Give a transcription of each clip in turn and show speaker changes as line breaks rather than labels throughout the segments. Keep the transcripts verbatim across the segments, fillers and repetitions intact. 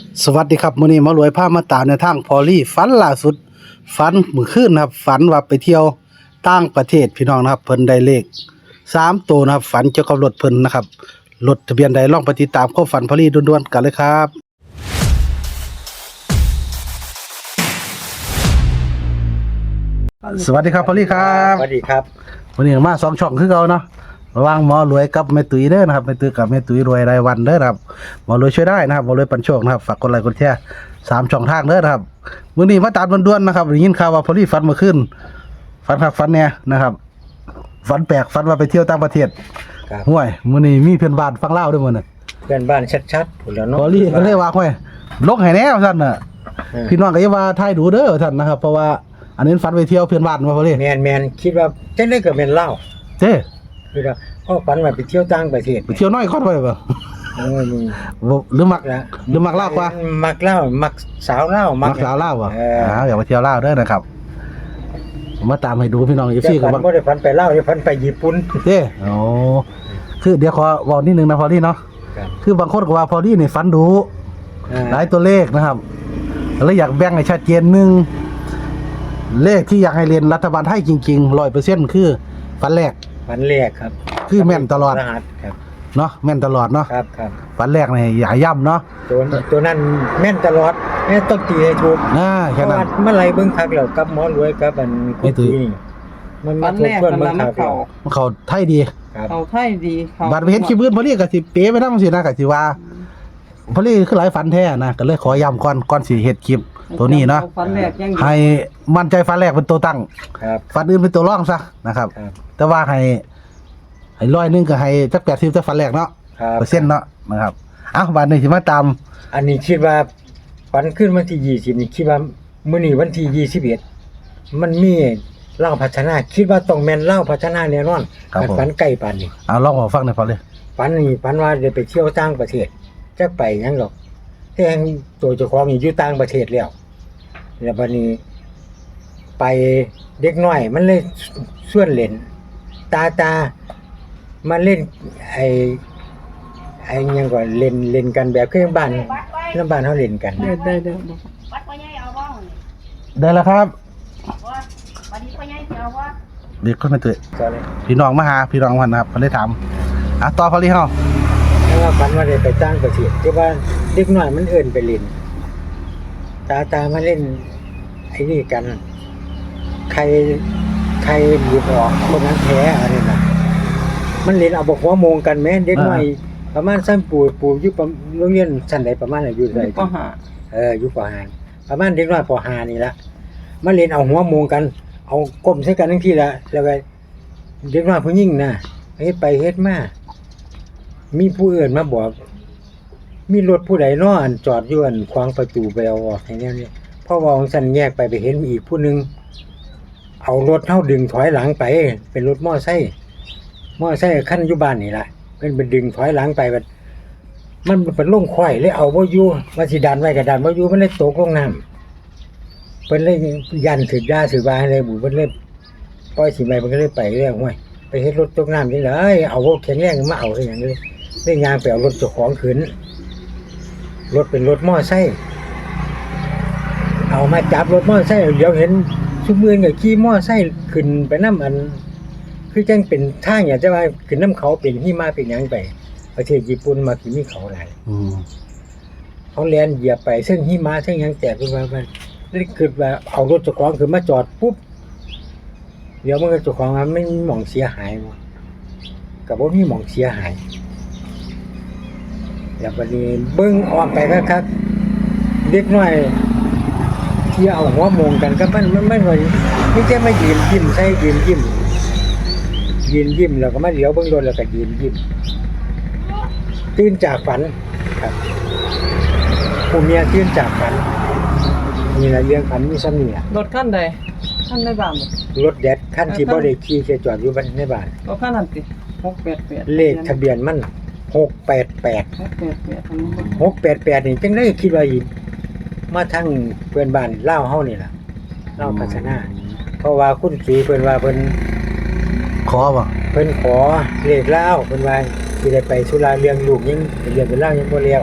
สวัสดีครับมื้อนี้หมารวยพามาตามในวทางพอลี่ฝันล่าสุดฝันมื้อคืนนะครับฝันว่าไปเที่ยวต่างประเทศพี่น้องนะครับเพิ่นได้เลขสามตัวนะครับฝันเกี่ยวกับรถเพิ่นนะครับรถทะเบียนใดลองไปติดตามความฝันพอลี่ด่วนๆกันเลยครับสวัสดีครับพอลี่ครับ
สวัสดีครับ
วันนี้มาสองช่องคือเก่าเนาะระหว่างหมอรวยกับแม่ตุ้ยเด้อนะครับแม่ตุ้ยกับแม่ตุ้ยรวยรายวันเด้อนะครับหมอรวยช่วยได้นะครับหมอรวยปันโชคนะครับฝากกดไลค์กดแชร์สามช่องทางเด้อนะครับมื้อนี้มาตามด่วนๆนะครับได้ยินข่าวว่าพอลี่ฝันเมื่อคืนฝันคักฝันแน่นะครับฝันแปลกฝันว่าไปเที่ยวต่างประเทศ
ครับ
ห่วยมื้อนี้มีเพื่อนบ้านฟังเล่าวด้วยมื้อน่ะ
เพื่อนบ้านชัดๆพุ่นแล้วเนาะ
พอลี่ก็เลยว่าห่วยลงให้แน่ว่าซั่นน่ะ
เออ
พี่น้องก็อย่าว่าทายดูเด้อว่าซั่นนะครับเพราะว่าอันนี้ฝันไปเที่ยวเพื่อนบ้านว่าพอลี่
แมนแมนคิดว่าจังได้ก็เป็นเล่า
เจ้
คือว่าพ่อฝันว่าไปเที่ยวต่างประเทศ
ไปเที่ยวน้อยคอนไปบ่
โอ้ยมึง
บ่หรือมัก
ละ
หรือมักเล่าวกว่า
มักเล่ามักสาวเล่า
มั
มั
กสาวเล่าวอ่ะ
เออ
อ่าอยากไปเที่ยวเล่าวเด้อนะครับมาตามให้ดูพี่น้องอี
แต่
ฟี่กั
ฝั
บ
น
ว่า
บ่ได้ฝันไปเล่าได้ฝันไปญี่ปุ่น
เด้โอ้คือเดี๋ยวขอเว้านิดนึงนะพอลี่เนาะ
ครับ
คือบางคนก็ว่าพอลี่นี่ฝันดู
อ่า
หลายตัวเลขนะครับแล้วอยากแบ่งให้ชัดเจนหนึงเลขที่อยากให้เรียนรัฐบาลไทยจริงๆ ร้อยเปอร์เซ็นต์ คือฝันแรก
ฝันแรกครับ
คือแม่นตลอด
รหัสครับ
เนาะแม่นตลอดเนาะ
ครับครับ
ฝันแรกนี่อย่าย่ำเนาะ
ตัวตัวนั้นแม่นตลอดแม่นต้องตีให้ถูก
อ่า
เพ
แค่
ราะ
นั้
ว่าน เมื่อไหรเบิ่งคักแล้วกับหมอรวยกับอัน
ไอ้
คุณ
ตุ้ย
ตีนี่มัน
วั
มาน ทบ
แรก
ทวน
มัน
เบิ่ง
ละ
คั
มัน
กแล้ว
เขา
เขาไทยดี
ครับ
เขาไทยดีเขา
บัดไปเห็นคลิปอื่นพอลี่ก็สิเป๊ะไปนำสินะก็สิว่าพอลี่คือหลายฝันแท้นะก็เลยขอย้ำก่อนก่อนสิเฮ็ดคลิปตัวนี้เนาะ
ฟันแรกยังอยู่
ให้มั่นใจฝันแรกเป็นตัวตั้ง
ครับ
ฝันอื่นเป็นตัวรองซะนะครับ
ครับ
แต่ว่าให้ให้ร้อยหนึงก็ให้จักแปดสิบจักฝันแรกเนาะ
ครับ
เปอร์เซ็นต์เนาะนะครับเอ้าบัดนี้สิมาตาม
อันนี้คิดว่าฝันขึ้นวันที่ยี่สิบนี่คิดว่ามื้อนี้วันที่ยี่สิบเอ็ดมันมีเล่าพัฒนาคิดว่าต้องแม่นเล่าพัฒนาแน่นอน
ครับผม
ฝันใกล้ปานนี้
เอาลองมาฟังหน่อยพอเลย
ฝันนี่ฝันว่าได้ไปเที่ยวต่างประเทศจักไปหยังหรอกแต่งตัวเจ้าของนี่อยู่ต่างประเทศแล้วแล้วบัดนี้ ไปเด็กน้อย มันเลยส่วนเล่น ตาตามาเล่นไอ้ไอ้หยังก็เล่นเล่นกันแบบคือบ้านน้ำบ้านเฮาเล่นกัน
ได้ได้ได้บอก
วัดพ่อใหญ่เอาบ้าง
ได้แล้วครับ
ว่าวันนี้พ่อใหญ่จะเอาว่า
เด็กคนไม่ตื่น
ก็เลย
พี่น้องมาหาพี่น้องวันนะครับเขาเลยถามอ่ะต่อพอลี่เฮา
แล้วว่าฝันว่าได้ไปต่างประเทศที่ว่าเด็กน้อยมันเอิ้นไปเล่น ตาตามาเล่น ไอ้นี่กัน ใครใครหยิบออกคนนั้นแพ้อะไรน่ะมันเล่นเอาบอกหัวโมงกันแม่เด็กน้อยประมาณชั้นปู่ปู่อยู่ประโรงเรียนชั้นใดประมาณไหนอยู่ใด
ก็หา
เอออยู่ปห้าประมาณเด็กน้อยปห้านี่ละมาเล่นเอาหัวโมงกัน เอาก้มใส่กันทั้งทีละแล้วก็เด็กน้อยผู้หญิงน่ะเฮ็ดไปเฮ็ดมามีผู้อื่นมาบอก มีรถผู้ใดเนาะอันจอดอยู่อันขวางประตูไปเอาออกให้แนวนี้พอว่าของฉันแยกไปไปเห็นอีกผู้หนึงเอารถเฮาดึงถอยหลังไป เป็นรถมอไซค์มอไซค์คันอยู่บ้านนี่ล่ะเพิ่นไปดึงถอยหลังไปบัดมันเป็นลงควายเลยเอาบ่อยู่ว่าสิดันไว้ก็ดันบ่อยู่มันเลยตกลงน้ำเพิ่นเลยยันถึกด่าสึกว่าให้เลยบุเพิ่นเลยปล่อยสิไปเพิ่นก็เลยไปเรื่องห้วยไปเฮ็ดรถตกน้ำจังได๋เอารถแข็งแรงมาเอาได้หยังเลยได้ยางไปเอารถเจ้าของขึ้นรถเป็นรถมอไซค์เอามาจับรถมอไซค์เดี๋ยวเห็นซุมื้อนี่ขี่มอไซค์ขึ้นไปนำอัน คือจังเป็นทางอย่างจะว่าขึ้นน้ำเขาเป็นหิมะเป็นหยังไป ประเทศญี่ปุ่นมากี่มีเขาหลาย
อืม
เขาแล่นเหยียบไปซึ่งหิมะซึ่งหยังแตกขึ้นมามันเลยคิดว่าเอารถเจ้าของขึ้นมาจอดปุ๊บเดี๋ยวมันก็เจ้าของมันไม่มีหม่องเสียหายบ่ก็บ่มีหม่องเสียหายแล้วบัดนี้เบิ่งออกไปคักๆเด็กน้อยที่เอาหัวโมงกันก็มันมันมันว่านี่แค่มายืนยิ้มใส่ยืนยิ้มยืนยิ้มแล้วก็มาเหลียวเบิ่งรถแล้วก็ยืนยิ้มตื่นจากฝันครับผู้เมียตื่นจากฝันนี่แหละเรื่องฝันมีซ้ำนี่ล่ะ
รถขั้นใดขั้นในบ้านบ่
รถแดดคันที่บ่ได้ขี่แค่จอดอยู่บ้านในบ้าน
ก็ขั้นนั้นติหกแปดแปด
เลขทะเบียนมันหกแปดแปด
หกแปดแปดทั้งหมด
หกแปดแปดนี่จังได้คิดว่าอีมาทางเพื่อนบ้านลาวเฮานี่ล่ะลาวพัฒนาเพราะว่าคุณสีเพิ่นว่าเพิ่น
ขอบ่
เพิ่นขอเลขลาวเพิ่นว่าสิได้ไปสุราเรื่องลูกยังเรียนเป็นลาวยังบ่แล้ว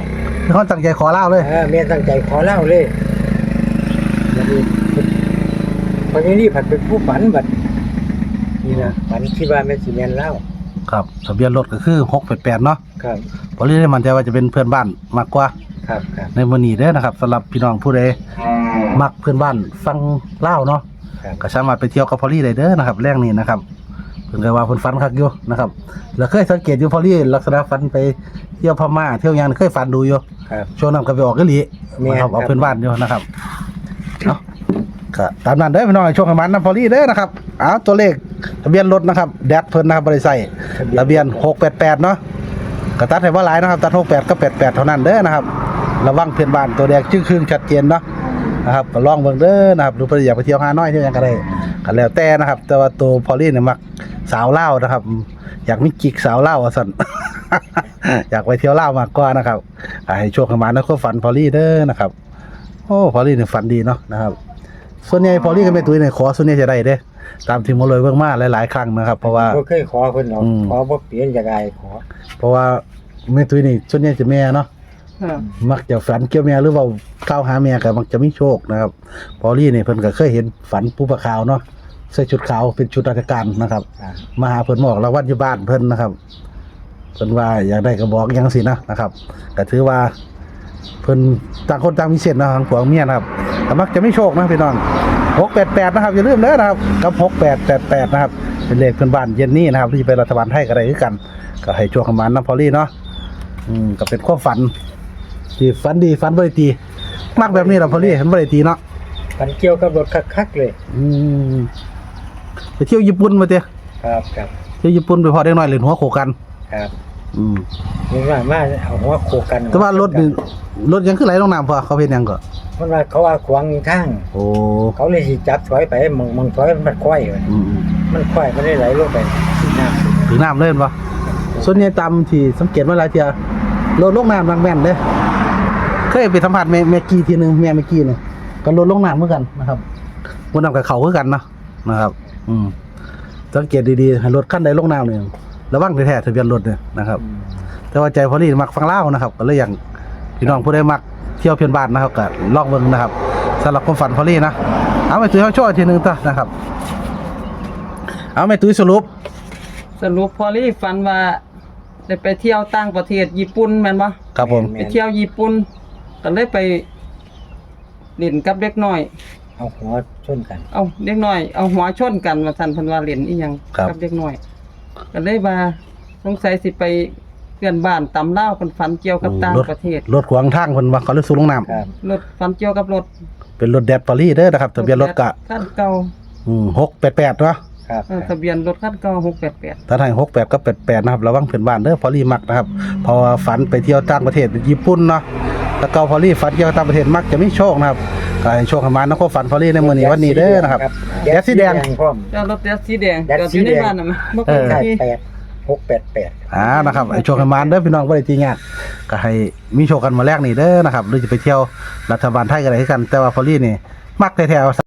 คือเขาตั้งใจขอเล่าเลย
เออแม่ตั้งใจขอเล่าเลยบัดนี้พอนี้นี่ผัดเป็นผู้ฝันบัดนี่นะฝันคิดว่าแม่สิแม่นเล่า
ครับทะเบียนรถก็คือหกแปดแปดเนาะ
ครับ
พอลี่ได้มั่นใจว่าจะเป็นเพื่อนบ้านมากกว่า
ครับครับ
ในมื้อนี้เด้อนะครับสำหรับพี่น้องผู้ใดมักเพื่อนบ้านฟังเล่าวเนาะ
ครับ
ก็สามารถไปเที่ยวกับพอลี่ได้เด้อนะครับแรงนี้นะครับเพิ่นก็ว่าเพิ่นฝันคักอยู่นะครับแล้วเคยสังเกตอยู่พอลี่ลักษณะฝันไปเที่ยวพม่าเที่ยวหยังเคยฝันดูอยู่
ครับ
ช่วงนั้นก็ไปออกกะหลี
แม่น
นะครับเอา
ครับ
เพื่อนบ้านอยู่นะครับเนาะก็ตามนั้นเด้อพี่น้องช่วงประมาณนั้นพอลี่เด้อนะครับเอาตัวเลขทะเบียนรถนะครับแดดเพิ่นนะครับบ่ได้ใส่ทะเบียนหกแปดแปดเนาะก็ตัดให้บ่หลายนะครับตัดหกแปดก็แปดแปดเท่านั้นเด้อนะครับระวังเพื่อนบ้านตัวแดงจึ้งครึ่งชัดเจนเนาะนะครับก็ลองเบิ่งเด้อนะครับหรือเพิ่นอยากไปเที่ยวฮานอยเที่ยวหยังก็ได้ก็แล้วแต่นะครับ แต่ว่าตัวพอลี่เนี่ยมักสาวลาวนะครับ อยากมีกิ๊กสาวลาวว่าซั่น อยากไปเที่ยวลาวมากกว่านะครับอ่าให้ช่วงประมาณนั้นก็ฝันพอลี่เด้อนะครับโอ้พอลี่เนี่ยฝันดีเนาะนะครับส่วนใหญ่พอลี่กับแม่ตุ้ยเนี่ยขอส่วนใหญ่จะได้เด้อตามที่หมอเลยเบิ่งมาหลายๆครั้งนะครับเพราะว่า
บ่เคยขอเพิ่นหรอก
อืม
ขอบ่เปลี่ยนจากอายขอ
เพราะว่าแม่ตุ้ยนี่ส่วนใหญ่จะแม่เนาะ
ค่ะ
มักจะฝันเกี่ยวแม่หรือว่าเข้าหาแม่ก็มักจะมีโชคนะครับพอลี่นี่เพิ่นก็เคยเห็นฝันปูปลาขาวเนาะใส่ชุดขาวเป็นชุดราชการนะครับ
ครับ
มาหาเพิ่นบอกรางวัลอยู่บ้านเพิ่นนะครับเพิ่นว่าอยากได้ก็บอกอยังสินะนะครับก็ถือว่าเพิ่นต่างคนต่างมีเส้นเนาะทางผัวเมียนะครับก็มักจะไม่โชคนะพี่น้องหกแปดแปดนะครับอย่าลืมเด้อนะครับกับหกแปดแปดแปดนะครับเป็นเลขเพื่อนบ้านเย็นนี้นะครับที่จะไปรัฐบาลไทยก็ได้คือกันก็ให้โชคประมาณนั้นพอลี่เนาะอืมก็เป็นความฝันที่ฝันดีฝันบ่ได้ตีมักแบบนี้ล่ะพอลี่เห็นบ่ได้ตีเนาะ
ฝันเกี่ยวกับรถคักๆเลย
อืมไปเที่ยวญี่ปุ่นมาเตะ
ครับครับ
เที่ยวญี่ปุ่นไปพอได้น้อยเล่นหัวโขกัน
ครับ
อืม
นี่ว่ามาเอาหัวโขกกัน
แต่ว่ารถนี่รถยังขึ้นไหลลงน้ำพอเขาเป็นหยังก็
มันว่าเขาว่าขวางทาง
โอ้
เขาเลยสิจับถอยไปมองมองถอยมันค่อยไว้
อืมอืม
มันค่อยไม่ได้ไหลลงไปที่น้ำ
ถึงน้ำเล่นปะส่วนใหญ่ตามที่สังเกตว่าหลายเที่ยรถลงน้ำบางแม่นเด้เคยไปสัมผัสแม่แม่กี้ทีหนึงแม่แม่กี้เนี่ยก็รถลงน้ำเหมือนกันนะครับบนน้ำกับเขาคือกันเนาะนะครับ อืมสังเกตดีๆให้รถขั้นใดลงน้ำเนี่ยระวังแท้ๆทะเบียนรถเนี่ยนะครับ แต่ว่าใจพอลี่มักฟังเล่าวนะครับก็เลยอย่างพี่น้องผู้ใดมักเที่ยวเพียนบ้านนะครับก็ลองเบิ่งนะครับสำหรับความฝันพอลี่นะเอาไปตุ้ยเขาโชว์อีกทีหนึงต่อนะครับ เอาไปตุ้ยสรุป
สรุปพอลี่ฝันว่าได้ไปเที่ยวต่างประเทศญี่ปุ่นแม่นบ่
ครับผม
ไปเที่ยวญี่ปุ่นก็เลยไปเล่นกับเด็กน้อย
เอาหัวชนกัน
เอาเด็กน้อย เอาหัวชนกันว่าซั่นเพิ่นว่าเล่นอีหยัง
ครับ
กัเด็กน้อยก็เลยว่าสงสัยสิไปเพื่อนบ้านตำลาวเพิ่นฝันเกี่ยวกับต่าง
รถ
ประเทศ
รถขวางทางเพิ่นว่าเขาเลยสูงลงน้
ครับ
รถฝันเกี่ยวกับรถ
ำเป็นรถแดดพอลี่เด้อนะครับทะเบียนรถกะ
คันเก่า
อืมหกแปดแปดเนาะ
ครับ
เออทะเบียนรถคันเก่าหกแปดแปด
ถ้าทางหกแปดก็แปดแปดนะครับระวังเพื่อนบ้านเด้อพอลี่มักนะครับเพราะว่าฝันไปเที่ยวต่างประเทศญี่ปุ่นเนาะแล้วก็พอลี่ฝันเที่ยวต่างประเทศมักจะไม่โชคนะครับก็ให้โชคประมาณนะก็ฝันพอลี่ในมื้อนี้วันนี้เด้อนะครับแดดสีแดง
พร้อม
เจ้ารถแดดสีแดง
แดด
จอด
สี
อยู่ใน
แดง
บ้านน่ะมั้ยบ่
เอ
เคย
อ
มี
แปดหกแปดแปด
อ่านะครับไอ้โชคประมาณเด้อพี่น้องบ่ได้ตีงานก็ให้มีโชคกันมาแรกนี่เด้อนะครับหรือจะไปเที่ยวรัฐบาลไทยก็ได้คือกัน แต่ว่าพอลี่นี่มักแท้ๆ